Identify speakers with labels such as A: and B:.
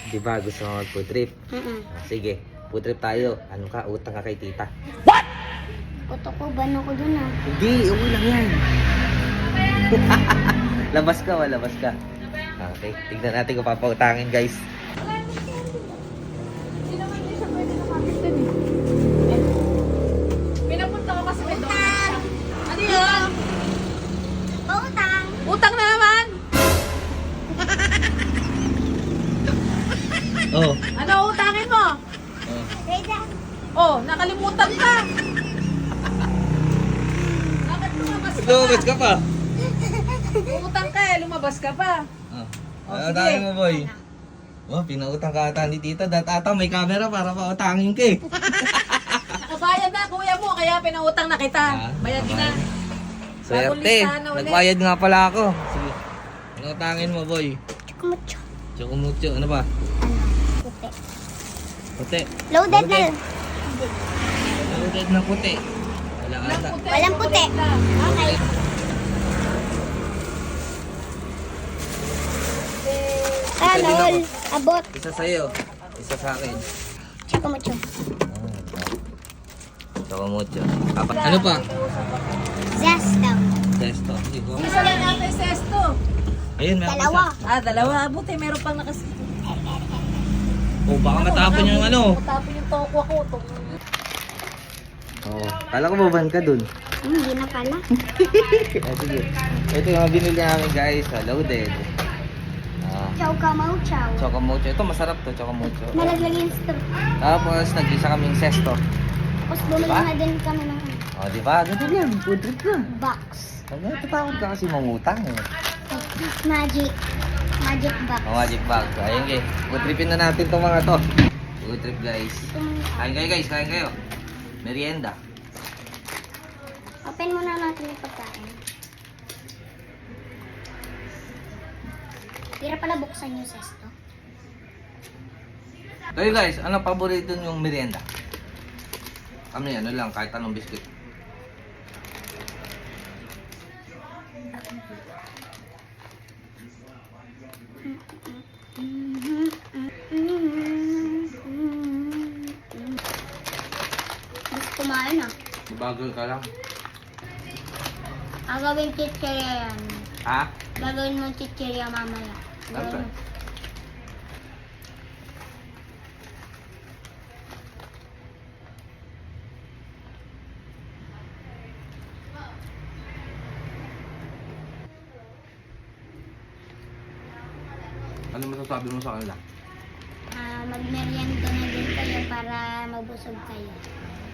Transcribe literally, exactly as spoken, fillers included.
A: Di ba gusto mo mag-food trip?
B: Mm-mm.
A: Ah, sige, food trip tayo. Ano ka? Utang ka kay tita.
B: Puto ko, bano ko dun ah.
A: Hindi, uwi lang yan. Labas ka, walabas ka. Okay, tignan natin kung papautangin guys.
C: Hindi naman din siya pwede nakapit dun eh. Pinapunta ko kasi may donut. Ano yun?
B: Pautang!
C: Utang na naman!
A: Oh.
C: Ano utangin mo?
A: Oh.
B: Reza!
C: Oh, nakalimutan ka! Bakit lumabas ka
A: Lumabas
C: pa?
A: ka pa.
C: Utang ka eh, lumabas ka pa.
A: Oh.
C: Oh,
A: Ano
C: sige.
A: tayo mo boy? Oh, pinautang ka ata ni tita. Dat ata may camera para pautangin ka eh.
C: Nakabayad na kuya mo, kaya pinautang na kita.
A: Ah,
C: Bayad na.
A: Swerte.
C: listahan na ulit.
A: Nagbayad nga pala ako. Sige. Pinautangin mo boy.
B: Chukumucho.
A: Chocomucho. Ano ba?
B: Ano? Puti.
A: Puti.
B: Loaded na.
A: Loaded na puti. Wala ata.
B: Walang puti. Okay. Ah,
A: Pwede na
B: lol.
A: ba?
B: Abot.
A: Isa sa'yo. Isa sa akin.
B: Chukumucho.
A: Chocomucho. Apa? Ano pa?
B: Zest daw.
A: Testo. Sige ko.
C: Isa lang natin sesto.
A: Ayun, meron pa
B: Dalawa.
A: isa.
C: Ah, dalawa. Buti meron pang nakas...
A: Oh, baka matapon yung ano.
C: Matapon yung tokwa ko. Ito.
A: Oo. Kala ko baban ka dun.
B: Hmm, hindi na pala.
A: Ah, sige. Ito yung mga binili namin guys. ah, Loaded. Ah,
B: Chow ka mau chow.
A: Chocomucho. Ito masarap to, Chocomucho.
B: Nalaglag yung straw.
A: Tapos nag-isa kaming sesto.
B: Tapos bumili
A: Diba?
B: na din kami ng
A: Oh, di ba? Ganun yan. Food trip na.
B: box.
A: Ano, tatakot ka kasi mangutang eh.
B: Magic. Magic box.
A: Oh, magic bag. So, ayun guys. Food tripin na natin itong mga to. Food trip guys. Kain kayo guys, kain kayo. Merienda.
B: Open muna natin yung pagkain. Hirap pala buksan yung sesto.
A: Kayo guys, ano paborito yung merienda? Kami ano lang, kahit anong biscuit.
B: Gusto kumain ah.
A: Bagal ka lang.
B: Gagawin chichirya yan.
A: Ha?
B: Gagawin mo chichirya mamaya.
A: Okay. Ano masasabi mo sa kanila?
B: Ah, magmerienda na din kayo para mabusog kayo.